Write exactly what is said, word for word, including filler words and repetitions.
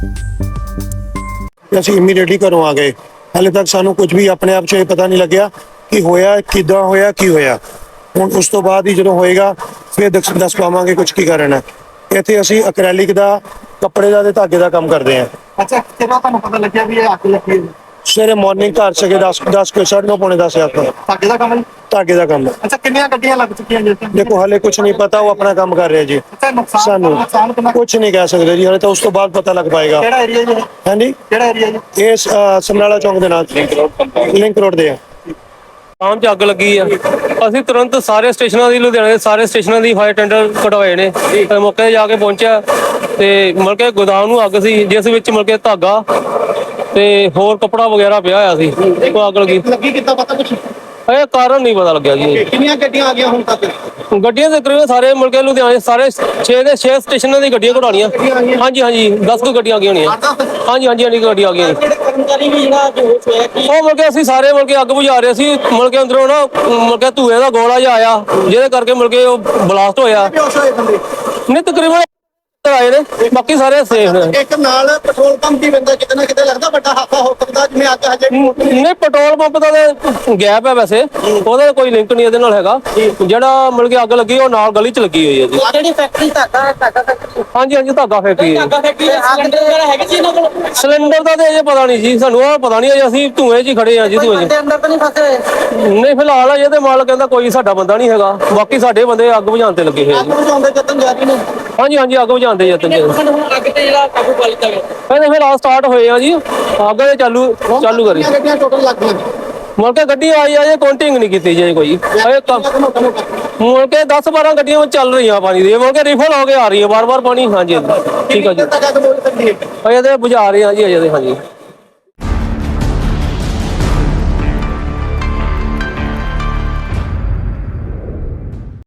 ਅਸੀਂ ਇਮੀਡੀਏਟਲੀ ਘਰੋਂ ਆ ਗਏ। ਹਾਲੇ ਤੱਕ ਸਾਨੂੰ ਕੁਝ ਵੀ ਆਪਣੇ ਆਪ 'ਚ ਇਹ ਪਤਾ ਨਹੀਂ ਲੱਗਿਆ ਕਿ ਹੋਇਆ ਕਿੱਦਾਂ ਹੋਇਆ ਕੀ ਹੋਇਆ। ਹੁਣ ਉਸ ਤੋਂ ਬਾਅਦ ਹੀ ਜਦੋਂ ਹੋਏਗਾ ਫਿਰ ਦੱਸ ਦੱਸ ਪਾਵਾਂਗੇ ਕੁਝ ਕੀ ਕਰਨਾ। ਇੱਥੇ ਅਸੀਂ ਅਕ੍ਰੈਲਿਕ ਦਾ ਕੱਪੜੇ ਦਾ ਤੇ ਧਾਗੇ ਦਾ ਕੰਮ ਕਰਦੇ ਹਾਂ। ਅੱਛਾ, ਕਿਹੜਾ ਤੁਹਾਨੂੰ ਪਤਾ ਲੱਗਿਆ ਵੀ ਇਹ ਅੱਗ ਲੱਗੀ ਹੈ? ਸਵੇਰੇ ਮਾਰਨਿੰਗ ਘਰ ਸੀਗੇ ਦਸ ਦਸ ਕੋਈ ਸਾਢੇ ਨੌ ਪੌਣੇ ਦਸ ਆਪਾਂ ਧਾਗੇ ਦਾ ਕੰਮ ਹੈ ਜੀ? ਧਾਗੇ ਦਾ ਕੰਮ। ਅੱਛਾ, ਕਿੰਨੀਆਂ ਗੱਡੀਆਂ ਲੱਗ ਚੁੱਕੀਆਂ ਜੀ? ਦੇਖੋ ਹਾਲੇ ਕੁਝ ਨਹੀਂ ਪਤਾ, ਉਹ ਆਪਣਾ ਕੰਮ ਕਰ ਰਿਹਾ ਜੀ। ਅੱਛਾ, ਨੁਕਸਾਨ ਸਾਨੂੰ ਨੁਕਸਾਨ ਕਿੰਨਾ? ਕੁਝ ਨਹੀਂ ਕਹਿ ਸਕਦੇ ਜੀ, ਹਾਲੇ ਤਾਂ ਉਸ ਤੋਂ ਬਾਅਦ ਪਤਾ ਲੱਗ ਪਾਏਗਾ। ਕਿਹੜਾ ਏਰੀਆ ਜੀ? ਹਾਂਜੀ, ਕਿਹੜਾ ਏਰੀਆ ਜੀ? ਇਹ ਸ- ਸਮਰਾਲਾ ਚੌਂਕ ਦੇ ਨਾਲ ਲਿੰਕ ਰੋਡ ਦੇ ਆ। ਆਮ 'ਚ ਅੱਗ ਲੱਗੀ ਆ। ਅਸੀਂ ਤੁਰੰਤ ਸਾਰੇ ਸਟੇਸ਼ਨਾਂ ਦੀ, ਲੁਧਿਆਣੇ ਦੇ ਸਾਰੇ ਸਟੇਸ਼ਨਾਂ ਦੀ ਫਾਇਰ ਟੈਂਡਰ ਕਢਵਾਏ ਨੇ ਤੇ ਮੌਕੇ 'ਤੇ ਜਾ ਕੇ ਪਹੁੰਚਿਆ ਤੇ ਮਤਲਬ ਕਿ ਗੋਦਾਮ ਨੂੰ ਅੱਗ ਸੀ, ਜਿਸ ਵਿੱਚ ਮਤਲਬ ਕਿ ਧਾਗਾ ਤੇ ਹੋਰ ਕੱਪੜਾ ਵਗੈਰਾ ਪਿਆ ਹੋਇਆ ਸੀ। ਉਹ ਅੱਗ ਲੱਗੀ। ਲੱਗੀ ਕਿੱਦਾਂ ਪਤਾ ਕੁਛ? ਇਹ ਕਾਰਨ ਨਹੀਂ ਪਤਾ ਲੱਗਿਆ ਜੀ। ਕਿੰਨੀਆਂ ਗੱਡੀਆਂ ਆ ਗਈਆਂ ਹੁਣ ਤੱਕ? ਗੱਡੀਆਂ ਦੇ ਤਕਰੀਬਨ ਸਾਰੇ ਮੁੜ ਕੇ ਲੁਧਿਆਣੇ ਸਾਰੇ ਛੇ ਦੇ ਛੇ ਸਟੇਸ਼ਨਾਂ ਦੀ ਗੱਡੀਆਂ ਕਢਾਉਣੀਆਂ। ਹਾਂਜੀ ਹਾਂਜੀ ਦਸ ਕੁ ਗੱਡੀਆਂ ਆ ਗਈਆਂ ਹੋਣੀਆਂ। ਹਾਂਜੀ ਹਾਂਜੀ ਹਾਂਜੀ ਗੱਡੀਆਂ ਆ ਗਈਆਂ। ਜਿਹੜੇ ਕਰਮਚਾਰੀ ਵੀ ਜਿਹੜਾ ਬੇਹੋਸ਼ ਹੋਇਆ ਕੀ? ਉਹ ਮੁੜ ਕੇ ਅਸੀਂ ਸਾਰੇ ਮੁੜ ਕੇ ਅੱਗ ਬੁਝਾ ਰਹੇ ਸੀ। ਮੁੜ ਕੇ ਅੰਦਰੋਂ ਨਾ ਮੁੜ ਕੇ ਧੂਏ ਦਾ ਗੋਲਾ ਜਿਹਾ ਆਇਆ, ਜਿਹਦੇ ਕਰਕੇ ਮੁੜ ਕੇ ਉਹ ਬਲਾਸਟ ਹੋਇਆ। ਬੇਹੋਸ਼ ਹੋਏ ਬੰਦੇ? ਨਹੀਂ ਤਕਰੀਬਨ ਆਏ ਨੇ, ਬਾਕੀ ਸਾਰੇ ਸੇਫ ਨੇ। ਇੱਕ ਨਾਲ ਪੈਟਰੋਲ ਪੰਪ ਦੀ ਬੰਦਾ ਕਿਤੇ ਨਾ ਕਿਤੇ ਲੱਗਦਾ ਵੱਡਾ ਹਾਦਸਾ ਹੋ ਸਕਦਾ, ਜਿਵੇਂ ਅੱਗ ਹਜੇ ਵੀ ਮੋਟੀ ਨਹੀਂ ਪੈਟਰੋਲ ਪੰਪ ਦਾ ਤਾਂ ਗੈਪ ਹੈ, ਵੈਸੇ ਉਹਦਾ ਕੋਈ ਲਿੰਕ ਨਹੀਂ ਇਹਦੇ ਨਾਲ ਹੈਗਾ। ਜਿਹੜਾ ਮਿਲ ਕੇ ਅੱਗ ਲੱਗੀ ਉਹ ਨਾਲ ਗਲੀ 'ਚ ਲੱਗੀ ਹੋਈ ਹੈ ਜੀ। ਜਿਹੜੀ ਫੈਕਟਰੀ ਧਾਗਾ ਧਾਗਾ ਫੈਕਟਰੀ ਹਾਂਜੀ ਹਾਂਜੀ ਧਾਗਾ ਫੈਕਟਰੀ ਹੈ। ਫੈਕਟਰੀ ਸਿਲੰਡਰ ਵਗੈਰਾ ਹੈਗੇ ਸੀ ਇਹਨਾਂ ਕੋਲ? ਸਿਲੰਡਰ ਦਾ ਤੇ ਅਜੇ ਪਤਾ ਨਹੀਂ ਜੀ, ਸਾਨੂੰ ਉਹ ਪਤਾ ਨਹੀਂ ਅਜੇ, ਅਸੀਂ ਧੂਏ 'ਚ ਹੀ ਖੜੇ ਆ ਜੀ। ਧੂਏ 'ਚ ਬੰਦੇ ਅੰਦਰ ਤਾਂ ਨਹੀਂ ਫਸੇ? ਨਹੀਂ ਫਿਲਹਾਲ ਅਜੇ ਤੇ ਮਾਲਕ ਕਹਿੰਦਾ ਕੋਈ ਸਾਡਾ ਬੰਦਾ ਨਹੀਂ ਹੈਗਾ, ਬਾਕੀ ਸਾਡੇ ਬੰਦੇ ਅੱਗ ਬੁਝਾਉਣ ਤੇ ਲੱਗੇ ਹੋਏ ਅੱਗ ਜੀ। ਬੁਝਾਉਂਦੇ ਯਤਨ ਜਾਰੀ ਨੇ? ਹਾਂਜੀ ਹਾਂਜੀ ਅੱਗ ਬੁਝਾਉਣ ਦੇ ਯਤਨ ਜੀ। ਅੱਗ ਤੇ ਜਿਹੜਾ ਕਾਬੂ ਪਾ ਲਿੱਤਾ ਗਿਆ? ਕਹਿੰਦੇ ਫਿਲਹਾਲ ਸਟਾਰਟ ਹੋਏ ਆ ਜੀ, ਅੱਗ ਦੇ ਚਾਲੂ ਚਾਲੂ ਕਰੀ। ਕਿੰਨੀਆਂ ਗੱਡੀਆਂ ਟੋਟਲ ਲੱਗ ਗਈਆਂ? ਮੁੜ ਕੇ ਗੱਡੀ ਆਈ ਆ ਜੇ ਕਾਊਂਟਿੰਗ ਨਹੀਂ ਕੀਤੀ ਜੀ ਕੋਈ। ਅਜੇ ਕੰਮ ਮੁੜ ਕੇ ਦਸ ਬਾਰਾਂ ਗੱਡੀਆਂ ਵਿੱਚ ਚੱਲ ਰਹੀਆਂ ਪਾਣੀ ਦੀ, ਮੁੜ ਕੇ ਰਿਫਲ ਹੋ ਕੇ ਆ ਰਹੀ ਹੈ ਬਾਰ ਬਾਰ ਪਾਣੀ। ਹਾਂਜੀ ਠੀਕ ਆ ਜੀ, ਤੱਕ ਅੱਗ ਬੋਲ ਸਕਦੀ ਹੈ? ਅਜੇ ਤੇ ਬੁਝਾ ਰਹੇ ਆ ਜੀ ਅਜੇ ਤੇ। ਹਾਂਜੀ।